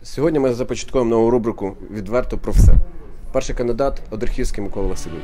Сьогодні ми започаткуємо нову рубрику «Відверто про все». Перший кандидат – Одрехівський Микола Васильович.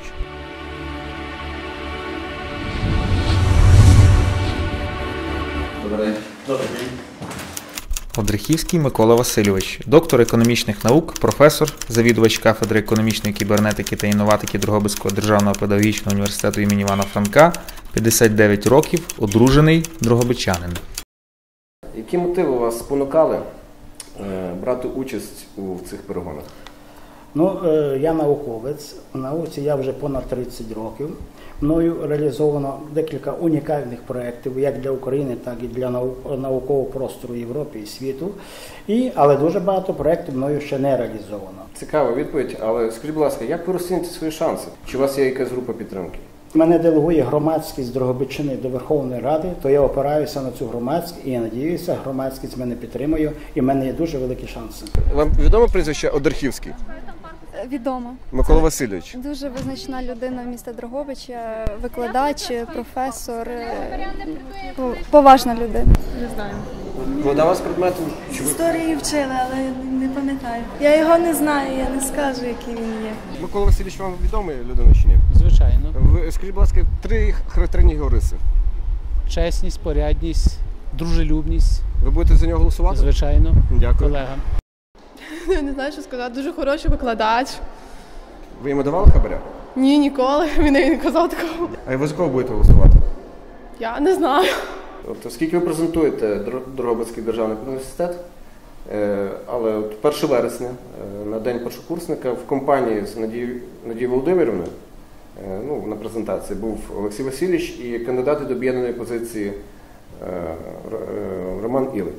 Добрий день. Одрехівський Микола Васильович, доктор економічних наук, професор, завідувач кафедри економічної кібернетики та інноватики Дрогобицького державного педагогічного університету імені Івана Франка, 59 років, одружений, дрогобичанин. Які мотиви вас спонукали брати участь у цих перегонах? Я науковець. В науці я вже понад 30 років. Мною реалізовано декілька унікальних проєктів, як для України, так і для наукового простору Європи і світу. Але дуже багато проєктів мною ще не реалізовано. Цікава відповідь, але скажіть, будь ласка, як ви розцінюєте свої шанси? Чи у вас є якась група підтримки? Мене делегує громадськість Дрогобичини до Верховної Ради, то я опираюся на цю громадськість і я надіюся, громадськість мене підтримує і в мене є дуже великі шанси. Вам відомо прізвище Одрехівський? Відомо. Микола Васильович. Дуже визначна людина міста Дрогобича, викладач, професор, поважна людина. Не знаю. Викладав вас предметом? Історії вчили, але не пам'ятаю. Я його не знаю, я не скажу, який він є. Микола Васильович вам відомий людина чи ні? Звичайно. Ви, скажіть, будь ласка, 3 характерні його риси. Чесність, порядність, дружелюбність. Ви будете за нього голосувати? Звичайно. Дякую. Колега. Не знаю, що сказати. Дуже хороший викладач. Ви йому давали хабаря? Ні, ніколи. Він не казав такого. А ви за кого будете голосувати? Я не знаю. Тобто, оскільки ви презентуєте Дрогобицький державний університет, але 1 вересня, на День першокурсника, в компанії з Надією Володимирівною, на презентації був Олексій Васильович і кандидати до об'єднаної позиції Роман Ілик.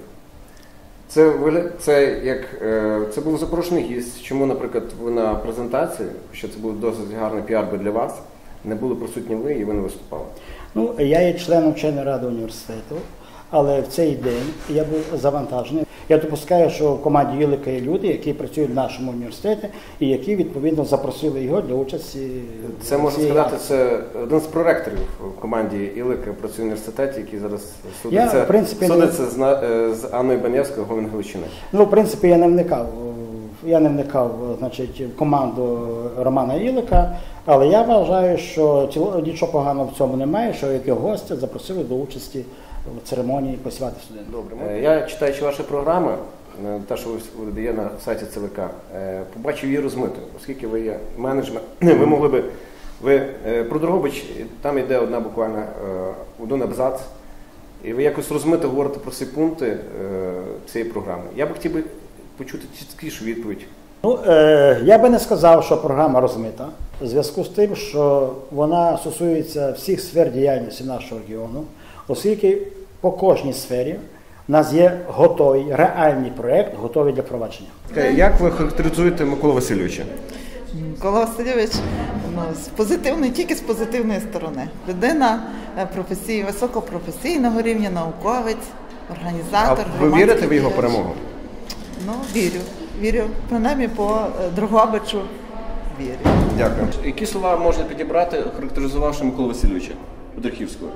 Це був запрошений гість. Чому, наприклад, ви на презентації, що це був досить гарний піар для вас, не були присутні ви і ви не виступали? Я є членом вченої ради університету, але в цей день я був завантажений. Я допускаю, що в команді Ілика є люди, які працюють в нашому університеті і які, відповідно, запросили його для участі. Це, можна сказати, це один з проректорів в команді Ілика працює в університеті, який зараз судиться з Анною Банєвською, Говен Галичини. В принципі, я не вникав, в команду Романа Ілика, але я вважаю, що нічого поганого в цьому немає, що як його гостя запросили до участі в церемонії посвяти студентів. Добре. Я, читаючи ваші програми, те, що ви є на сайті ЦВК, побачив її розмитою, оскільки ви є менеджмент. Ви могли би, про Дрогобич, там йде один абзац, і ви якось розмито говорите про всі пункти цієї програми. Я б хотів почути чіткішу відповідь. Я би не сказав, що програма розмита, в зв'язку з тим, що вона стосується всіх сфер діяльності нашого регіону, оскільки по кожній сфері в нас є готовий, реальний проєкт, готовий для впровадження. Як ви характеризуєте Миколу Васильовича? Микола Васильович тільки з позитивної сторони. Людина високопрофесійного рівня, науковець, організатор. А ви вірите в його перемогу? Вірю. Принаймні по Дрогобичу вірю. Дякую. Які слова можна підібрати, характеризувавши Миколу Васильовича Одрехівського?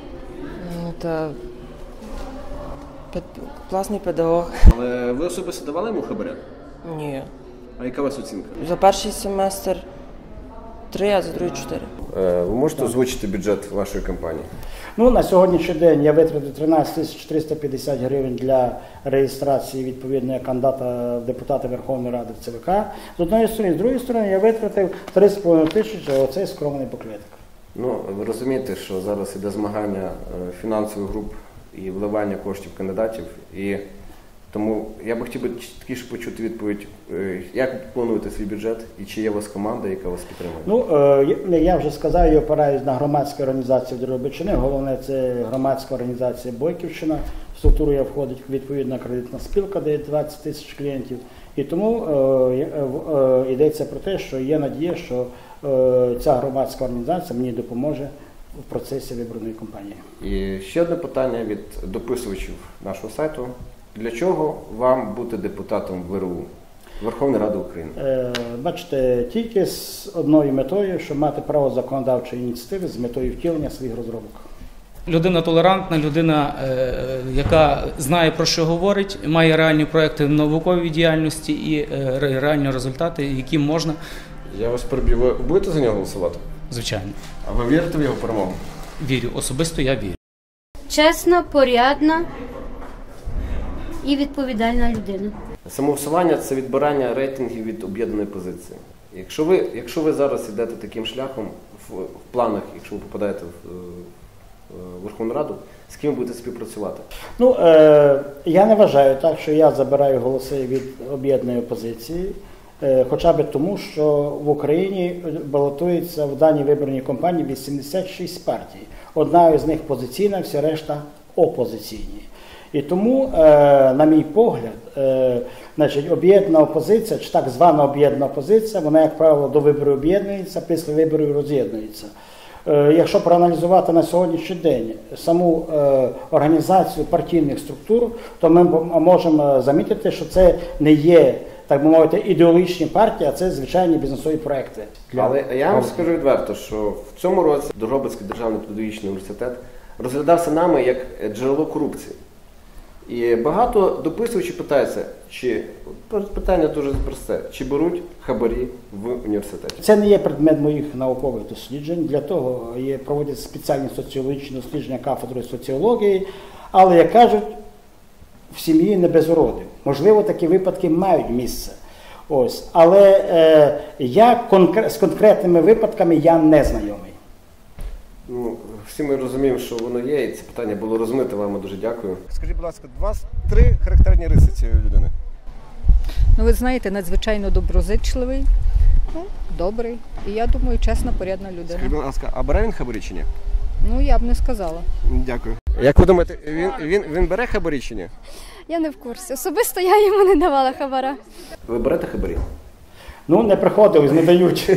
Класний педагог. Але ви особисто давали йому хабаря? Ні. А яка у вас оцінка? За перший семестр 3, а за другий 4. Ви можете озвучити бюджет вашої компанії? На сьогоднішній день я витратив 13 350 гривень для реєстрації відповідного кандидата в депутати Верховної Ради в ЦВК. З однієї сторони, з другої сторони, я витратив 3,5 тисячі оцей скромний буклетик. Ви розумієте, що зараз іде змагання фінансових груп і вливання коштів кандидатів, і тому я б хотів чіткіше почути відповідь, як ви плануєте свій бюджет і чи є у вас команда, яка вас підтримує? Я вже сказав, я опираюсь на громадську організацію Дрогобичини, головне це громадська організація Бойківщина, в структуру я входить відповідна кредитна спілка, де є 20 тисяч клієнтів, і тому йдеться про те, що є надія, що ця громадська організація мені допоможе в процесі виборної кампанії. І ще одне питання від дописувачів нашого сайту. Для чого вам бути депутатом ВРУ, Верховної Ради України? Бачите, тільки з одною метою, щоб мати право законодавчої ініціативи з метою втілення своїх розробок. Людина толерантна, людина, яка знає, про що говорить, має реальні проекти в науковій діяльності і реальні результати, які можна. Я вас переб'ю. Ви будете за нього голосувати? Звичайно. А ви вірите в його перемогу? Вірю. Особисто я вірю. Чесна, порядна і відповідальна людина. Самовсування – це відбирання рейтингів від об'єднаної позиції. Якщо ви зараз йдете таким шляхом в планах, якщо ви попадаєте в Верховну Раду, з ким ви будете співпрацювати? Ну, я не вважаю так, що я забираю голоси від об'єднаної опозиції, хоча б тому, що в Україні балотується в даній виборній кампанії 86 партій. Одна з них позиційна, всі решта опозиційні. І тому, на мій погляд, значить, об'єднана опозиція, чи так звана об'єднана опозиція, вона, як правило, до виборів об'єднується, після виборів роз'єднується. Якщо проаналізувати на сьогоднішній день саму організацію партійних структур, то ми можемо замітити, що це не є, так би мовити, ідеологічні партії, а це звичайні бізнесові проекти. Але я вам скажу відверто, що в цьому році Дрогобицький державний педагогічний університет розглядався нами як джерело корупції. І багато дописувачів питаються, питання дуже просте, чи беруть хабарі в університеті? Це не є предмет моїх наукових досліджень, для того проводять спеціальні соціологічні дослідження кафедрою соціології, але, як кажуть, в сім'ї не без уродів. Можливо, такі випадки мають місце. Ось. Але з конкретними випадками я не знайомий. Ну, всі ми розуміємо, що воно є, і це питання було розмите, вам дуже дякую. Скажіть, будь ласка, у вас 3 характерні риси цієї людини? Ну, ви знаєте, надзвичайно доброзичливий, добрий і, я думаю, чесна, порядна людина. Скажіть, будь ласка, а бере він хабарі чи ні? Ну, я б не сказала. Дякую. Як ви думаєте, він бере хабарі чи ні? Я не в курсі. Особисто я йому не давала хабара. Ви берете хабарі? Ну, не приходилось, не дають.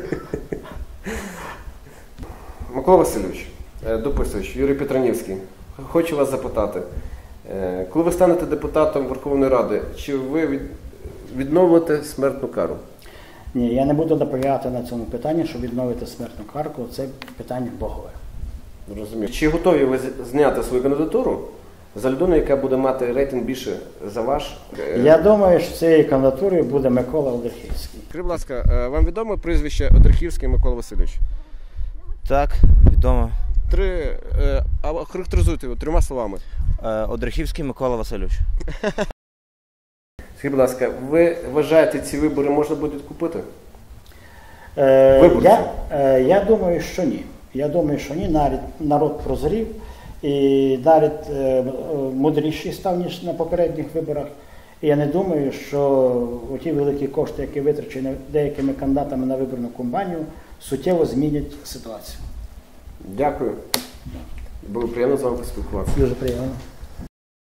Микола Васильович, дописувач, Юрій Петранівський, хочу вас запитати. Коли ви станете депутатом Верховної Ради, чи ви відновите смертну кару? Ні, я не буду наполягати на цьому питанні, щоб відновити смертну кару, це питання богове. Розумію. Чи готові ви зняти свою кандидатуру за людину, яка буде мати рейтинг більше за ваш? Я думаю, що цією кандидатурою буде Микола Одрехівський. Скажіть, будь ласка, вам відомо прізвище Одрехівський Микола Васильович? Так, відомо. Характеризуйте його 3 словами. Одрехівський Микола Васильович. Скажіть, будь ласка, ви вважаєте, ці вибори можна буде купити? Я думаю, що ні. Я думаю, що ні. Народ прозрів і навіть мудріший став, ніж на попередніх виборах. І я не думаю, що ті великі кошти, які витрачені деякими кандидатами на виборну кампанію, суттєво змінять ситуацію. Дякую. Було приємно з вами поспілкуватися. Дуже приємно.